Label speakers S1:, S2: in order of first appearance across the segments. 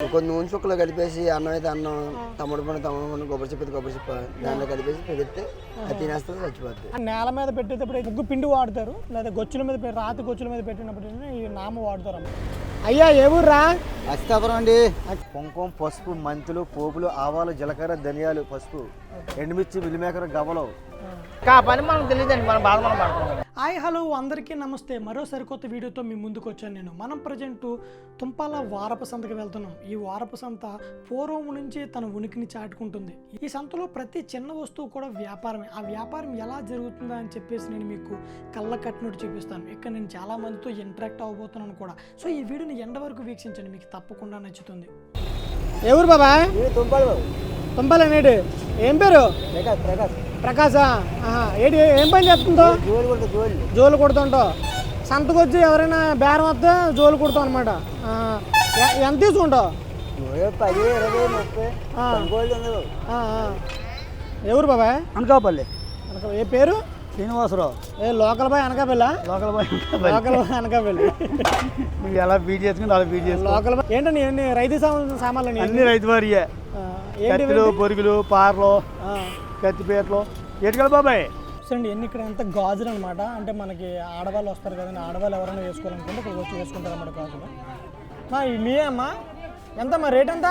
S1: కొన్ని నూనె చుక్కలు కలిపేసి అన్నం అయితే అన్నం, తమ్ముడు పండు కొబ్బరి చెప్పి దాంట్లో కలిపేసి పెడితే అది తినేస్తుంది, చచ్చిపోతుంది.
S2: నేల మీద పెట్టేటప్పుడు ముగ్గు పిండి వాడతారు, లేదా గొచ్చుల మీద రాతి గొచ్చుల మీద పెట్టినప్పుడు ఈ నామ వాడతారు. అయ్యా ఏ ఊర్రా?
S3: అస్తాపురం అండి. కుంకుమ, పసుపు, మెంతులు, పోపులు, ఆవాలు, జీలకర్ర, ధనియాలు, పసుపు, ఎండుమిర్చి, మిల్లిమేకర్, గవ్వలు.
S4: పని మనకు తెలియదండి, మన బాధ మనం పడుతున్నాం.
S2: హాయ్ హలో అందరికీ నమస్తే. మరో సరికొత్త వీడియోతో మీ ముందుకు వచ్చాను నేను. మనం ప్రజెంట్ తుంపాల వారపు సంతకి వెళ్తున్నాం. ఈ వారపు సంత పూర్వం నుంచి తన ఉనికిని చాటుకుంటుంది. ఈ సంతలో ప్రతి చిన్న వస్తువు కూడా వ్యాపారమే. ఆ వ్యాపారం ఎలా జరుగుతుందా అని చెప్పేసి నేను మీకు కళ్ళ కట్టినట్టు చూపిస్తాను. ఇక్కడ నేను చాలా మందితో ఇంటరాక్ట్ అవ్వబోతున్నాను కూడా. సో ఈ వీడియోని ఎండ వరకు వీక్షించండి, మీకు తప్పకుండా నచ్చుతుంది. ఎవరు బాబా? తుంపాల నేడు ఏం పేరు? ప్రకాశా. ఏంటి ఏం పని చేస్తుందో? జోలు కొడుతుంటావు. సంతకు వచ్చి ఎవరైనా బేరం వస్తే జోలు కొడతావు అనమాట. ఎంత తీసుకుంటావు?
S3: 10, 20, 30.
S2: ఎవరు బాబాయ్?
S3: అనకాపల్లి.
S2: ఏ పేరు?
S3: శ్రీనివాసరావు.
S2: ఏ local boy Anakapalli?
S3: Local boy
S2: Anakapalli.
S3: నువ్వు ఎలా బీట్ చేసుకుని అలా బీట్ చేసుకో.
S2: లోకల్ బాయ్ ఏంటండి? ఎన్ని రైతు సామాన్లు?
S3: అన్ని రైతు వారియే. కత్తిలు, పొరుగులు, పార్లు, కత్తిపేటలు, ఎటుకలు బాబాయ్.
S2: చూడండి ఎన్ని ఇక్కడ అంతా గాజులు అనమాట. అంటే మనకి ఆడవాళ్ళు వస్తారు కదండి, ఆడవాళ్ళు ఎవరైనా వేసుకోవాలనుకుంటే ఇక్కడ వచ్చి వేసుకుంటారు అన్నమాట గాజులు. మీయే అమ్మా? ఎంతమ్మా రేట్ ఎంత?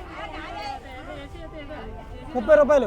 S2: 30 రూపాయలు.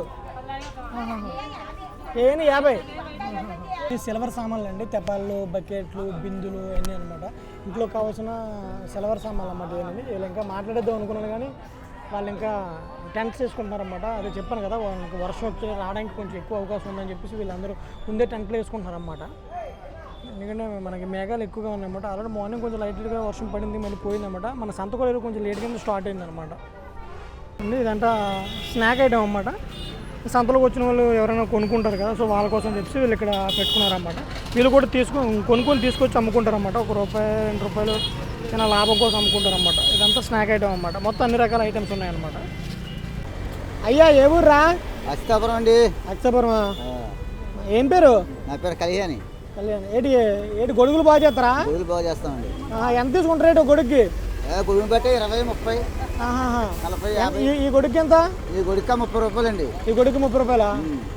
S2: ఏంటి 50? ఈ సిల్వర్ సామాన్లు అండి. తెప్పాళ్ళు, బకెట్లు, బిందులు అన్నీ అనమాట. ఇంట్లో కావాల్సిన సిల్వర్ సామాన్లు అన్నమాట. ఏంటండి వీళ్ళు ఇంకా మాట్లాడేద్దాం అనుకున్నాను కానీ వాళ్ళు ఇంకా టెంట్స్ వేసుకుంటున్నారన్నమాట. అదే చెప్పాను కదా, వాళ్ళకి వర్షం వచ్చి రావడానికి కొంచెం ఎక్కువ అవకాశం ఉందని చెప్పేసి వీళ్ళందరూ ముందే టెంట్లు వేసుకుంటున్నారన్నమాట. ఎందుకంటే మనకి మేఘాలు ఎక్కువగా ఉన్నాయన్నమాట. ఆల్రెడీ మార్నింగ్ కొంచెం లైట్గా వర్షం పడింది, మళ్ళీ పోయిందన్నమాట. మన సంత కూడా కొంచెం లేట్గా స్టార్ట్ అయిందన్నమాట. ఇదంతా స్నాక్ ఐటమ్ అన్నమాట. సంతలోకి వచ్చిన వాళ్ళు ఎవరైనా కొనుక్కుంటారు కదా, సో వాళ్ళ కోసం చెప్పి వీళ్ళు ఇక్కడ పెట్టుకున్నారన్నమాట. వీళ్ళు కూడా కొనుక్కొని తీసుకొచ్చి అమ్ముకుంటారన్నమాట. ₹1, ₹2 చిన్న లాభం కోసం అమ్ముకుంటారన్నమాట. ఇదంతా స్నాక్ ఐటమ్ అన్నమాట. మొత్తం అన్ని రకాల ఐటమ్స్ ఉన్నాయన్నమాట. అయ్యా ఏ ఊర్రా?
S3: అస్తాపురం అండి.
S2: అక్షపురమా? ఏం పేరు?
S3: నా పేరు కళ్యాణి.
S2: ఏంటి గొడుగులు బాగా చేస్తారా?
S3: గొడుగులు బాగా చేస్తామండి.
S2: ఎంత తీసుకుంటారు రేటు గొడుగుకి?
S3: గొడుగుని బట్టి 20, 30, 40, 50.
S2: ఈ గొడుగుకి ఎంత?
S3: ఈ గొడుగుక 30 రూపాయలండి.
S2: ఈ గొడుగు 30 రూపాయలా?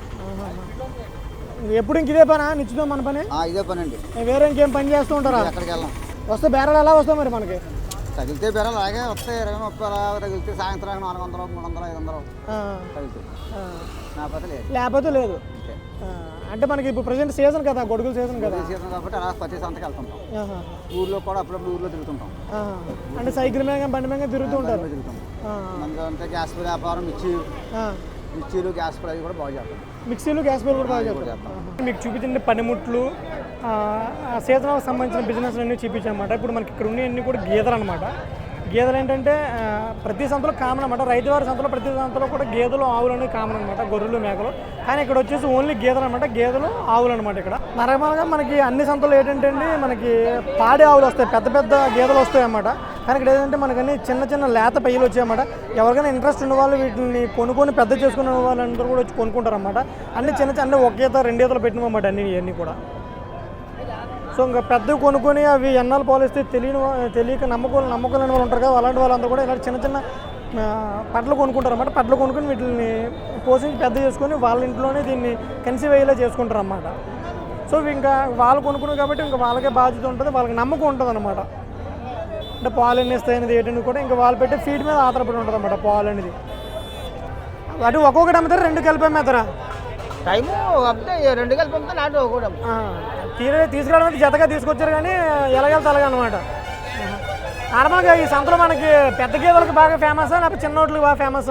S2: ఎప్పుడు ఇంక ఇదే పనా నిశ్చితం మన పని?
S3: ఇదే పని అండి.
S2: వేరే ఇంకేం పని చేస్తూ ఉంటారా?
S3: ఎక్కడికి వెళ్ళాం.
S2: వస్తే బేరాలు ఎలా వస్తాయి మరి మనకి?
S3: తగిలితే బేరాలు అలాగే వస్తాయి. 20, 30 అలా తగిలితే సాయంత్రం 400, 300, 500 తగిలితే.
S2: లేకపోతే లేదు. అంటే మనకి ఇప్పుడు ప్రజెంట్ సీజన్ కదా, గొడుగుల సీజన్ కదా.
S3: సీజన్ కాబట్టి అలా ప్రతి సంతకి వెళ్తుంటాం. ఊర్లో కూడా అప్పుడప్పుడు ఊర్లో తిరుగుతుంటాం.
S2: అంటే సైకిల్ మీద బండి మీద తిరుగుతూ ఉంటారు.
S3: అంతే గ్యాస్ వ్యాపారం, మిర్చీలు, గ్యాస్ అవి కూడా బాగా చేస్తాం.
S2: మిక్సీలు, గ్యాస్ బిల్ కూడా బాగా చేస్తాం. మీకు చూపించండి పనిముట్లు, సీజన్కి సంబంధించిన బిజినెస్ అన్నీ చూపించామన్నమాట. ఇప్పుడు మనకి ఇక్కడ ఉన్నవన్నీ కూడా గేదెలు అనమాట. గేదెలు ఏంటంటే ప్రతి సంతలో కామన్ అనమాట. రైతువారి సంతలో ప్రతి సంతలో కూడా గేదెలు, ఆవులు అనేవి కామన్ అనమాట. గొర్రెలు, మేకలు. కానీ ఇక్కడ వచ్చేసి ఓన్లీ గేదెలు అనమాట. గేదెలు, ఆవులు అనమాట. ఇక్కడ నార్మల్గా మనకి అన్ని సంతలు ఏంటంటే అండి మనకి పాడి ఆవులు వస్తాయి, పెద్ద పెద్ద గేదెలు వస్తాయి అన్నమాట. కానీ ఇక్కడ ఏంటంటే మనకి అన్ని చిన్న చిన్న లేత పెయ్యలు వచ్చాయన్నమాట. ఎవరికైనా ఇంట్రెస్ట్ ఉన్న వాళ్ళు వీటిని కొనుక్కొని పెద్ద చేసుకునే వాళ్ళందరూ కూడా వచ్చి కొనుక్కుంటారు అన్నమాట. అన్ని చిన్న చిన్న ఒక ఈత 2 ఈతలు పెట్టినమాట ఇవన్నీ కూడా. సో ఇంకా పెద్దవి కొనుక్కొని అవి ఎన్నాళ్ళు పాలిస్తే తెలియక నమ్మకం లేని వాళ్ళు ఉంటారు కదా, అలాంటి వాళ్ళందరూ కూడా ఇలాంటి చిన్న చిన్న పట్లు కొనుక్కుంటారు అన్నమాట. పట్లు కొనుక్కొని వీటిని పోషించి పెద్ద చేసుకొని వాళ్ళ ఇంట్లోనే దీన్ని కన్సీవ్ అయ్యేలా చేసుకుంటారు అన్నమాట. సో ఇంకా వాళ్ళు కొనుక్కున్నారు కాబట్టి ఇంకా వాళ్ళకే బాధ్యత ఉంటుంది, వాళ్ళకి నమ్మకం ఉంటుంది అనమాట. అంటే పాలు ఎన్ని ఇస్తాయి అనేది ఏంటని కూడా ఇంకా వాళ్ళు పెట్టే ఫీడ్ మీద ఆధారపడి ఉంటుంది అన్నమాట పాలు అనేది. అటు ఒక్కొక్కటి అమ్ముతారు, 2 కలిపి అమ్మేస్తారా?
S4: టైము అప్పుడే 2 కలిపి అమ్మితే నాటు ఒకటి
S2: తీసుకురావడం అయితే జతగా తీసుకొచ్చారు కానీ ఎలాగెళ్తే అలాగే అనమాట. నార్మల్గా ఈ సంతలో మనకి పెద్ద గేదెలకు బాగా ఫేమసా లేకపోతే చిన్న నోట్లకి బాగా ఫేమసా?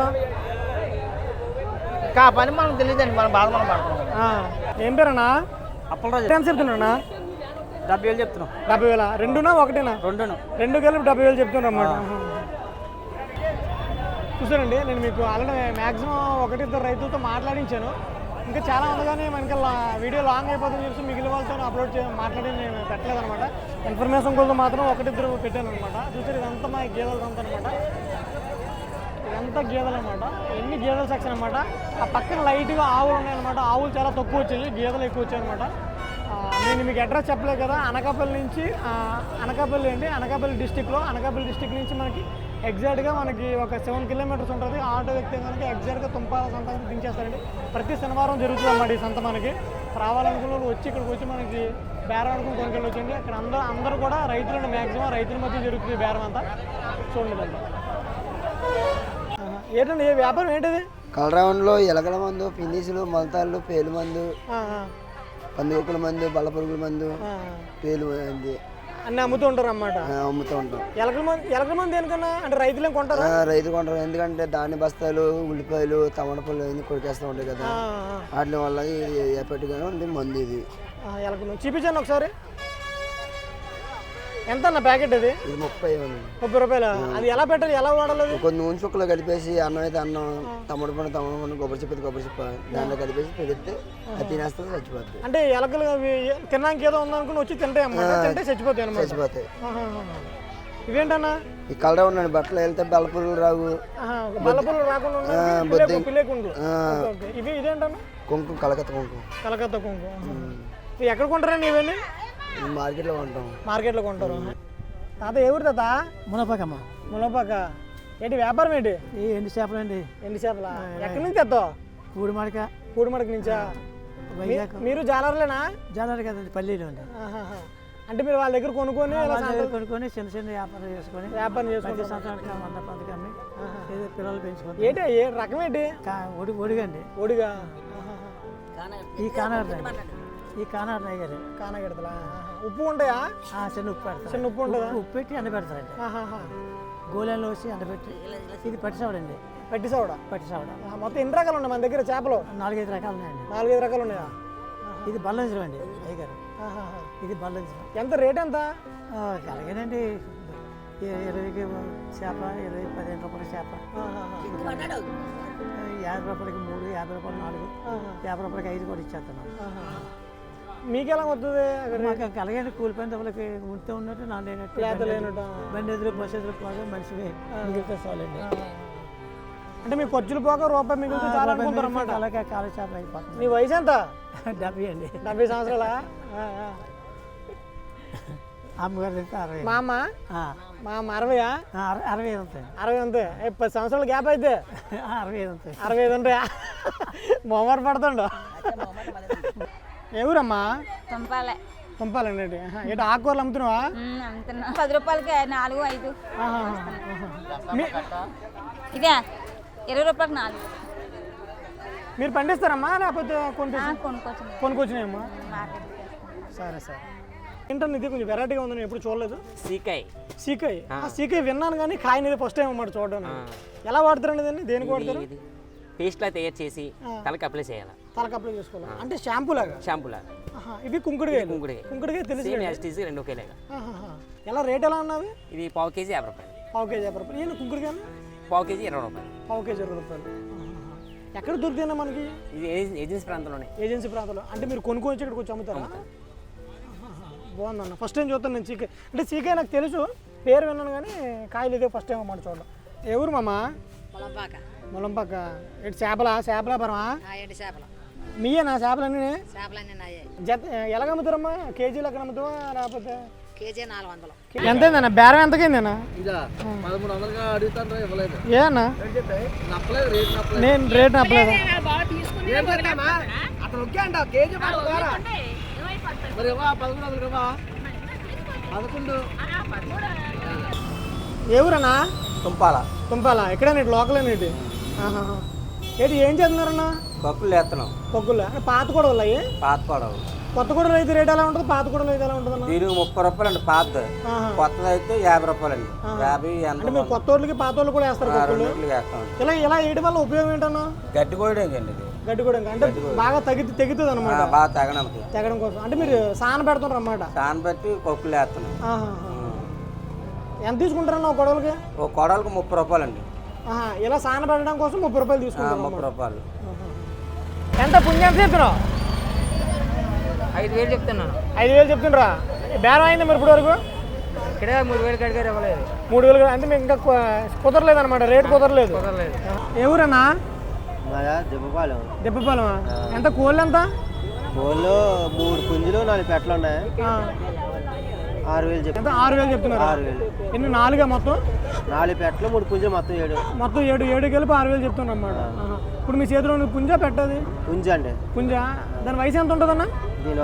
S4: పని మనకు తెలియదండి, మన బాధ మనం పడుతున్నాం.
S2: ఏం పేరన్నా?
S3: అప్పలరాజు.
S2: ఎంత చెప్తున్నా?
S3: 70,000 చెప్తున్నాం.
S2: 70,000? 2నా 1నా? 2 కలిపి 70,000 చెప్తున్నా అన్నమాట. చూసారండి, నేను మీకు ఆల్రెడీ మ్యాక్సిమం 1-2 రైతులతో మాట్లాడించాను. ఇంకా చాలా ఉంది కానీ మనకి వీడియో లాంగ్ అయిపోతుందని చెప్పి మిగిలిన వాళ్ళతో మాట్లాడి నేను పెట్టలేదు అనమాట. ఇన్ఫర్మేషన్ కోసం మాత్రం 1-2 పెట్టాను అనమాట. చూసారు ఇదంతా మా గేదెలు అంతా అనమాట. ఇదంతా గేదెలు అనమాట. ఎన్ని గేదెల సెక్షన్ అనమాట. ఆ పక్కన లైట్గా ఆవులు ఉన్నాయన్నమాట. ఆవులు చాలా తక్కువ వచ్చాయి, గేదెలు ఎక్కువ వచ్చాయి అనమాట. నేను మీకు అడ్రస్ చెప్పలేదు కదా, అనకాపల్లి నుంచి అనకాపల్లి డిస్టిక్లో అనకాపల్లి డిస్టిక్ నుంచి మనకి ఎగ్జాక్ట్గా మనకి ఒక 7 కిలోమీటర్స్ ఉంటుంది. ఆటో ఎక్కితే కనుక ఎగ్జాక్ట్గా తుంపాల సంత దించేస్తారండి. ప్రతి శనివారం జరుగుతుంది అన్నమాట ఈ సంత. మనకి రావాలనుకున్న వాళ్ళు వచ్చి ఇక్కడికి వచ్చి మనకి బేరం అనుకుని కొనుకెళ్ళొచ్చండి. అక్కడ అందరూ కూడా రైతులు, మ్యాక్సిమం రైతుల మధ్య జరుగుతుంది బేరం అంతా. చూడండి అంతా ఏంటండి, ఏ వ్యాపారం ఏంటిది?
S1: కలరౌండ్లో ఎలకల మందు, పిన్నీసులు, మొలతాళ్ళు, పేలు మందు, పందికొక్కుల మందు, బల్లపురుగుల మందు, పేలు మంది
S2: అన్నీ అమ్ముతూ ఉంటారు అన్నమాట.
S1: అమ్ముతూ ఉంటాం.
S2: ఎలకల మంది దేనికన్నా అంటే రైతులు కొంటారు?
S1: రైతు కొంటారు. ఎందుకంటే ధాన్య బస్తాలు, ఉల్లిపాయలు, టమాటాలు అన్ని కొరికేస్తూ ఉంటాయి కదా, వాటి వల్ల ఎప్పటిగానే ఉంది మందు ఇది.
S2: ఎలకల మంది చూపించాను ఒకసారి. ఎంత అన్న ప్యాకెట్ అది?
S1: ఇది 30
S2: రూపాయలు. అది ఎలా పెట్టాలి, ఎలా వాడాలి?
S1: కొన్ని నూనె చుక్కలు కలిపేసి అన్నం అయితే అన్నం, తమ్ముడు పండు, కొబ్బరి చెప్ప దాంట్లో కలిపేసి పెడితే అది తినేస్తుంది, చచ్చిపోతుంది.
S2: అంటే ఎలకలు తినడానికి ఏదో ఉందనుకుని వచ్చి తింటాయి అన్నమాట. తింటే చచ్చిపోతాయి అన్నమాట.
S1: చచ్చిపోతాయి.
S2: ఇవేంటన్నా?
S1: ఈ కలర్ ఉన్నాడు బట్టలు వెళ్తే బల్లపురుగులు రావు,
S2: బల్లపురుగులు రాకుండా ఇవి. ఇదేంటన్నా?
S1: కుంకుమ, కలకత్తా కుంకుమ.
S2: కలకత్తా కుంకుమ. ఎక్కడ కొంటారండి ఇవన్నీ?
S1: మార్కెట్లో కొంటాం.
S2: మార్కెట్లో కొంటారు. తాత ఏ ఊరు తాత?
S4: మునపకమ్మ.
S2: మునపాక. ఏంటి వ్యాపారం ఏంటి?
S4: ఎండు చేపలు అండి.
S2: ఎండు చేపల. ఎక్కడి నుంచి తెస్తావు? పూడిమడక నుంచా? మీరు జాలర్లేనా?
S4: జాలర్ కదండి, పల్లీలో అండి.
S2: అంటే మీరు వాళ్ళ దగ్గర కొనుక్కొని
S4: చిన్న చిన్న వ్యాపారం చేసుకొని సంవత్సరానికి 100 పథకాన్ని పిల్లలు పెంచుకొని.
S2: ఏంటి ఏ రకం ఏంటి?
S4: ఒడిగండి.
S2: ఒడిగా.
S4: ఈ కానాడు గారు
S2: కానగడతలా. ఉప్పు ఉంటాయా?
S4: చిన్న ఉప్పు పెడతారు.
S2: చిన్న ఉప్పు ఉంటుందా?
S4: ఉప్పు పెట్టి ఎండబెడతారండి. గోళంలో వచ్చి ఎండబెట్టి. ఇది పట్టిసావడండి.
S2: పట్టిసావడ. మొత్తం ఎన్ని రకాలు ఉన్నాయి మన దగ్గర చేపలు?
S4: 4-5 రకాలు ఉన్నాయండి.
S2: 4-5 రకాలు ఉన్నాయా?
S4: ఇది బల్లంజరం అండి అయ్యగారు. ఇది బల్లంజరం.
S2: ఎంత రేట్ ఎంత?
S4: అలాగేనండి, 20కి చేప, 15 రూపాయల చేప, 50 రూపాయలకి 3, 50 రూపాయలు 4, 50 రూపాయలకి 5 కూడా ఇచ్చేస్తున్నాం.
S2: మీకు ఎలా వస్తుంది?
S4: మాకు అలాగే కూలిపోయిన డబ్బులకి ఉంటే ఉన్నట్టు నా లేనట్టు బండి ఎదురు, బస్సు ఎదురు పోగా మనిషి మిగిలితే చాలండి.
S2: అంటే మీ ఖర్చులు పోక రూపాయి మిగిలితే చాలా అనుకుంటారు అన్నమాట.
S4: అలాగే కాలు చేప అయిపోతుంది.
S2: మీ వయసు ఎంత?
S4: 70 అండి.
S2: 70 సంవత్సరాలా?
S4: అమ్మగారు 60.
S2: మా అమ్మ 60?
S4: 60 ఉంటాయి.
S2: 60 అంతే. 10 సంవత్సరాల గ్యాప్ అయితే
S4: 65 ఉంటాయి.
S2: 65 ఉంటాయా? మొమ్మట పడుతుండో. ఎవరమ్మా? తుంపాలండి. ఏంటి ఆకుకూరలు అమ్ముతున్నావా?
S5: 10 రూపాయలకి 4, 5. ఇదే 20 రూపాయలకి 4.
S2: మీరు పండిస్తారమ్మా లేకపోతే కొనుక్కొచ్చినాయమ్మా? సరే. ఏంటన్నా ఇది కొంచెం వెరైటీగా ఉందని ఎప్పుడు చూడలేదు. సీకాయ్ విన్నాను కానీ కాయని ఫస్ట్ టైం అన్నమాట చూడడం. ఎలా వాడతారండి దీన్ని? దేనికి వాడతారు?
S6: పేస్ట్లా తయారు చేసి తలకి అప్లై చేయాలి.
S2: తలకి అప్లై చేసుకోవాలి అంటే షాంపూ లాగా? ఇవి కుంకుడుకాయ తెలిసి
S6: 2 ఒకేలాగా.
S2: ఎలా రేట్ ఎలా ఉన్నది?
S6: ఇది ½ కేజీ 50 రూపాయలు.
S2: ½ కేజీ ఏంటి కుంకుడుకాయ?
S6: ½ కేజీ 20 రూపాయలు.
S2: ½ కేజీ 20 రూపాయలు. ఎక్కడ దొరుకుతుందా మనకి?
S6: ఇది ఏజెన్సీ ప్రాంతంలో. అంటే మీరు కొనుక్కొని వచ్చి ఇక్కడికి వచ్చి అమ్ముతారా? బాగుందన్న. ఫస్ట్ టైం చూస్తాను నేను సీకాయ. అంటే సీకాయ నాకు తెలుసు, పేరు విన్నాను కానీ కాయలు ఇదే ఫస్ట్ టైం అన్నమాట చూడడం. ఎవరు మామ? ములంపాక. ఏంటి చేపలా పరమా? మీయేనా చేపలన్నీ? జత ఎలాగ అమ్ముతారమ్మా? కేజీలు ఎక్కడ అమ్ముతావా లేకపోతే? ఎంతైందన్నా బేరం? ఎంతకైందన్నా? ఏనా నేను రేట్ నప్పలేదు. ఎవరన్నా? తుంపాల. ఎక్కడైనా లోకల్ ఏంటి? ఏం చేస్తున్నారన్నా?
S7: పప్పులు వేస్తున్నాం.
S2: పప్పులు పాత కూడా ఉన్నాయి. కొత్త కూడా అయితే రేట్ ఎలా ఉంటుంది? పాత కూడా అయితే ఎలా ఉంటుంది?
S7: దీనికి 30 రూపాయలు అండి పాత. కొత్తది అయితే 50 రూపాయలు అండి. 50
S2: అంటే మీరు కొత్త వాళ్ళకి పాత వాళ్ళు కూడా వేస్తారు. ఇలా వేయడం వల్ల ఉపయోగం ఏంటన్నా?
S7: గడ్డి కోయడం అండి.
S2: గడ్డి కూడా అంటే బాగా తెగుతుంది అనమాట.
S7: బాగా
S2: తెగడం కోసం అంటే మీరు సాన పెడుతున్నారు అన్నమాట.
S7: పెట్టి పప్పులు వేస్తున్నాం.
S2: ఎంత తీసుకుంటారన్నా ఒక కొడవలకి?
S7: ఒక కొడవలకి 30 రూపాయలు అండి.
S2: ఇలా సాన పెట్టడం కోసం 30 రూపాయలు తీసుకుంటారు.
S7: 30 రూపాయలు.
S2: ఎంత పుణ్యం చెప్తున్నావు?
S4: 5,000 చెప్తున్నాను.
S2: 5,000 చెప్తుండ్రా? బేరం అయింది మరి ఇప్పుడు వరకు?
S4: ఇక్కడే 3,000 కడిగారు ఇవ్వలేదు.
S2: 3,000 అంటే మీకు ఇంకా కుదరలేదు అనమాట, రేట్ కుదరలేదు. ఎవరన్నా? దెబ్బపాలెమా? ఎంత కోళ్ళు? ఎంత
S3: కోళ్ళు 3 పుంజులు 4 పెట్టలు ఉన్నాయి. 6,000 చెప్పి
S6: ఎంత 6,000 చెప్తున్నారు
S3: 6,000
S6: ఎన్ని 4 మొత్తం
S3: 4 పెట్టలు 3 పుంజ మొత్తం 7
S6: మొత్తం 7 కలిపి 6,000 చెప్తున్నా అన్నమాట. ఇప్పుడు మీ చేతిలో ఉన్న పుంజ పెట్టది
S3: పుంజ అండి.
S6: పుంజ దాని వయసు ఎంత ఉంటుందన్న?
S3: దీని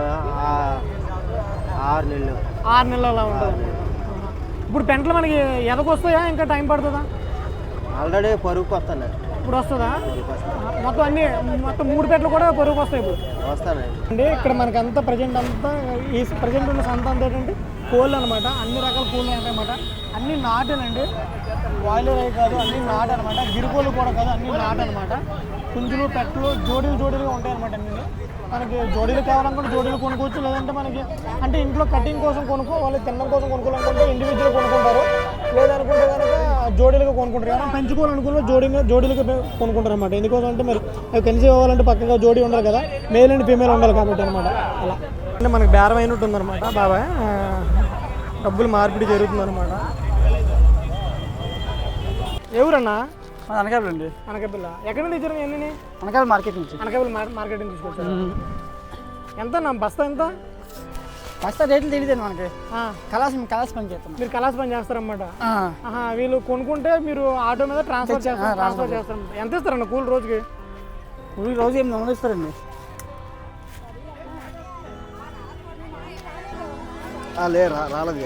S3: 6 నెలలు
S6: 6 నెలలు అలా ఉంటుంది. ఇప్పుడు పెంటలు మనకి ఎదకొస్తాయా ఇంకా టైం పడుతుందా?
S3: ఆల్రెడీ పరుగుకి వస్తాను.
S6: ఇప్పుడు వస్తుందా? మొత్తం 3 పెట్టలు కూడా పరుగుకి వస్తాయి ఇప్పుడు
S3: వస్తానండి.
S6: అంటే ఇక్కడ మనకి అంతా ప్రజెంట్ అంతా ఈ ప్రజెంట్ ఉన్న సంత అంతా ఏంటంటే కోళ్ళు అనమాట. అన్ని రకాల కోళ్ళు ఉంటాయన్నమాట. అన్ని నాటేనండి, బాయిలర్ అవి కాదు, అన్ని నాటు అనమాట. గిరికోళ్ళు కూడా కాదు, అన్ని నాటు అనమాట. పుంజులు పెట్టలు జోడీలుగా ఉంటాయి అనమాట. అన్ని మనకి జోడీలు కావాలనుకుంటే జోడీలు కొనుక్కోవచ్చు, లేదంటే మనకి అంటే ఇంట్లో కటింగ్ కోసం కొనుక్కోవాలి, తినడం కోసం కొనుక్కోవాలనుకుంటే ఇండివిజువల్ కొనుక్కుంటారు, లేదనుకుంటే కనుక జోడీలుగా కొనుక్కుంటారు. ఎవరైనా పెంచుకోవాలనుకుంటే జోడీలుగా కొనుక్కుంటారు అనమాట. ఎందుకోసం అంటే మరి అవి కలిసి ఇవ్వాలంటే పక్కగా జోడీ ఉండాలి కదా, మేల్ అండ్ ఫీమేల్ ఉండాలి కాబట్టి అనమాట. అలా అంటే మనకు బేరం అయినట్టు ఉందన్నమాట. బాబాయ్ డబ్బులు మార్పిడి జరుగుతుందన్నమాట. ఎవరన్నా?
S4: అనకాపల్లి అండి.
S6: అనకాపల్లి. ఎక్కడ నుంచి ఇచ్చారు ఎన్ని?
S4: అనకాపల్లి మార్కెట్ నుంచి.
S6: అనకాపల్లి మార్కెట్ నుంచి తీసుకొచ్చారు. ఎంత నా బస్తా ఎంత?
S4: బస్తా రేట్లు తెలియదండి మనకి. కలాస్ పని చేస్తాం.
S6: మీరు కలాస్ పని చేస్తారన్నమాట. వీళ్ళు కొనుక్కుంటే మీరు ఆటో మీద ట్రాన్స్ఫర్ చేస్తారు. ఎంత ఇస్తారన్న కూలి రోజుకి?
S4: రోజు 800 ఇస్తారండి.
S3: రాలేదు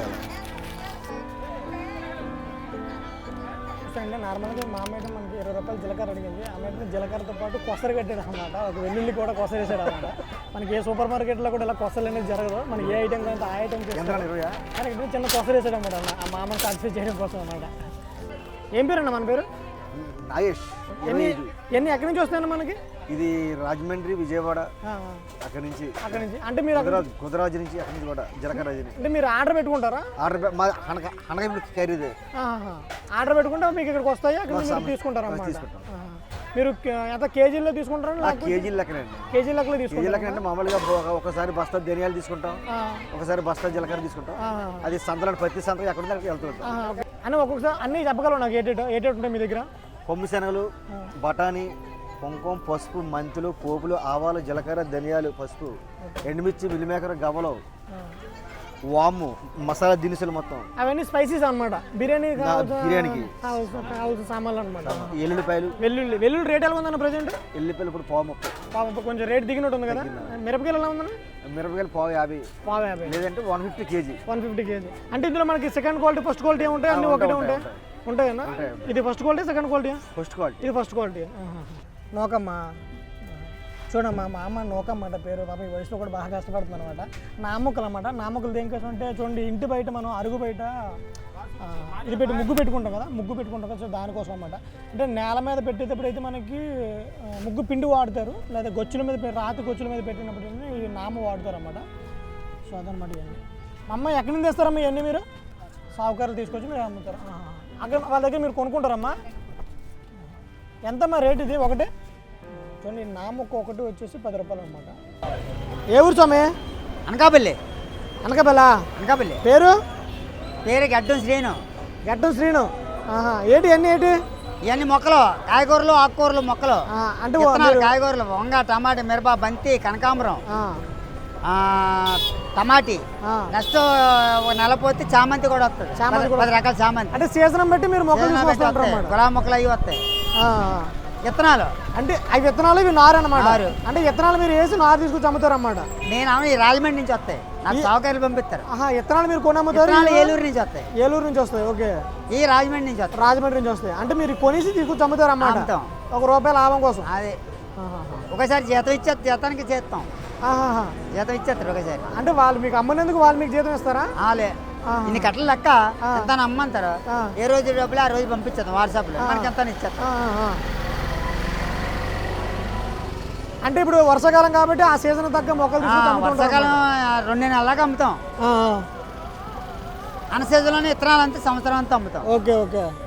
S6: అంటే నార్మల్గా మా అమ్మాయి మనకి 20 రూపాయలు జీలకర్ర అడిగింది. అమ్మాయి జీలకర్రతో పాటు కొసరు కట్టాడు అనమాట. ఒక వెల్లుల్లి కూడా కొసరు వేసాడు అనమాట. మనకి ఏ సూపర్ మార్కెట్లో కూడా ఇలా కొసలు అనేది జరగదు. మనకి ఏ ఐటమ్ కంటే ఆ ఐటమ్ కానీ చిన్న కొసరు వేసాడు అనమాట. ఆ మా అమ్మని సాటిస్ఫై చేయడం కోసం అనమాట. ఏం పేరు అన్న మన పేరు?
S3: నాగేష్.
S6: ఎన్ని ఎక్కడి నుంచి వస్తాయన్న మనకి?
S3: ఇది రాజమండ్రి, విజయవాడ, అక్కడి నుంచి
S6: అంటే మీరు
S3: కుదరాజు నుంచి, అక్కడి నుంచి కూడా జీలకర్ర.
S6: అంటే మీరు ఆర్డర్ పెట్టుకుంటారా?
S3: ఖరీదు
S6: ఆర్డర్ పెట్టుకుంటే మీకు ఇక్కడికి వస్తాయి, అక్కడ మీరు తీసుకుంటారా అన్నమాట. మీరు ఎంత కేజీల్లో తీసుకుంటారా?
S3: కేజీల లెక్కనండి.
S6: కేజీ లెక్కలో తీసుకుంటారు.
S3: అంటే మామూలుగా ఒకసారి బస్తా ధనియాలు తీసుకుంటాం, ఒకసారి బస్తా జీలకర్ర తీసుకుంటాం. అది సంతలో ప్రతి సంతలో ఎక్కడ వెళ్తుంటాం.
S6: అని ఒక్కొక్కసారి అన్ని చెప్పగలవు నాకు ఏటేటి ఉంటాయి మీ దగ్గర?
S3: కొమ్మి శనగలు, బఠానీ, కుంకుమ, పసుపు, మెంతులు, పోపులు, ఆవాలు, జీలకర్ర, ధనియాలు, పసుపు, ఎండుమిర్చి, మిల్లిమేకర, గవ్వలు, వాము, మసాలా దినుసులు మొత్తం.
S6: అవన్నీ స్పైసీస్ అనమాట.
S3: బిర్యానీకి
S6: కావాల్సిన సామాన్లు అనమాట.
S3: ఎల్లుల్లిపాయలు.
S6: వెల్లుల్లి రేట్ ఎలా ఉందన్న ప్రెజెంట్?
S3: ఎల్లుల్లిపాయలు ఇప్పుడు 30.
S6: కొంచెం రేట్ దిగినట్టు ఉంది కదా. మిరపకాయలు ఎలా ఉందన్న?
S3: మిరపకాయలు 50 లేదంటే 150 కేజీ.
S6: 150 కేజీ. అంటే ఇందులో మనకి సెకండ్ క్వాలిటీ, ఫస్ట్ క్వాలిటీ ఏముంటాయి? అన్ని ఒకటే ఉంటాయన్నా? ఇది first quality, second quality?
S3: First quality.
S6: ఇది ఫస్ట్ క్వాలిటీ. నోకమ్మ చూడమ్మా, మా అమ్మ నోకమ్మ అంట పేరు. పాప ఈ వయసులో కూడా బాగా కష్టపడుతుంది అనమాట. నామొక్కలు అనమాట. నామొక్కలు దేనికోసం అంటే చూడండి, ఇంటి బయట మనం అరుగు బయట ఇది పెట్టి ముగ్గు పెట్టుకుంటాం కదా, సో దానికోసం అనమాట. అంటే నేల మీద పెట్టేటప్పుడు అయితే మనకి ముగ్గు పిండి వాడతారు, లేదా గొచ్చుల మీద రాతి గొచ్చుల మీద పెట్టినప్పుడు ఈ నామ వాడతారు అన్నమాట. సో అదనమాట. ఇవన్నీ మా అమ్మ ఎక్కడి నుంచి తెస్తారమ్మా? ఇవన్నీ మీరు సావుకారులు తీసుకొచ్చి మీరు అమ్ముతారు. అక్కడ వాళ్ళ దగ్గర మీరు కొనుక్కుంటారమ్మా? ఎంతమ్మా రేట్ ఇది ఒకటి? చూడండి, నామొక్క ఒకటి వచ్చేసి 10 రూపాయలు అనమాట. ఏ ఊరు స్వామి?
S4: అనకాపల్లి.
S6: అనకాపల్లి. పేరు?
S4: గడ్డం శ్రీను.
S6: గడ్డం శ్రీను. ఏంటి
S4: ఇవన్నీ మొక్కలు, కాయగూరలు, ఆకుకూరలు మొక్కలు.
S6: అంటే
S4: కాయగూరలు వంగ, టమాటా, మిరప, బంతి, కనకాంబరం, టమాటీ. నెక్స్ట్ నెల పోతే చామంతి కూడా వస్తుంది. 10 రకాల చామంతి.
S6: అంటే సీజన్ బట్టి మీరు మొక్కలు
S4: గులాబీ మొక్కలు అవి వస్తాయి. విత్తనాలు
S6: అంటే అవి విత్తనాలు, ఇవి నారు అనమాట. అంటే విత్తనాలు మీరు వేసి నారు తీసుకొచ్చి అమ్ముతారు అన్నమాట.
S4: నేను ఈ రాజమండ్రి నుంచి వస్తాయి, నాకు సౌకర్యాలు పంపిస్తారు.
S6: విత్తనాలు మీరు కొని అమ్ముతారు?
S4: ఏలూరు నుంచి వస్తాయి.
S6: ఏలూరు నుంచి వస్తాయి. ఓకే.
S4: ఈ రాజమండ్రి నుంచి వస్తాయి.
S6: రాజమండ్రి నుంచి వస్తాయి. అంటే మీరు కొనేసి తీసుకొచ్చి అమ్ముతారు అన్నమాట, ₹1 లాభం కోసం.
S4: అదే ఒకసారి జీతం ఇచ్చేది, జీతానికి చేస్తాం. జీతం ఇచ్చేస్తారు ఒకసారి.
S6: అంటే వాళ్ళు మీకు అమ్మనేందుకు వాళ్ళు మీకు జీతం ఇస్తారా?
S4: ఇన్ని కట్టలు లెక్క ఎంత అమ్మంటారు. ఏ రోజు డబ్బులు ఆ రోజు పంపించేస్తాం వాట్సాప్లో, మనకి ఎంత ఇచ్చేస్తాం.
S6: అంటే ఇప్పుడు వర్షాకాలం కాబట్టి ఆ సీజన్ తగ్గ మొక్కలు
S4: వర్షాకాలం 2 నెలలాగా అమ్ముతాం. అన్న సీజన్లోనే విత్తనాలు అంతా సంవత్సరం అంతా అమ్ముతాం.
S6: ఓకే.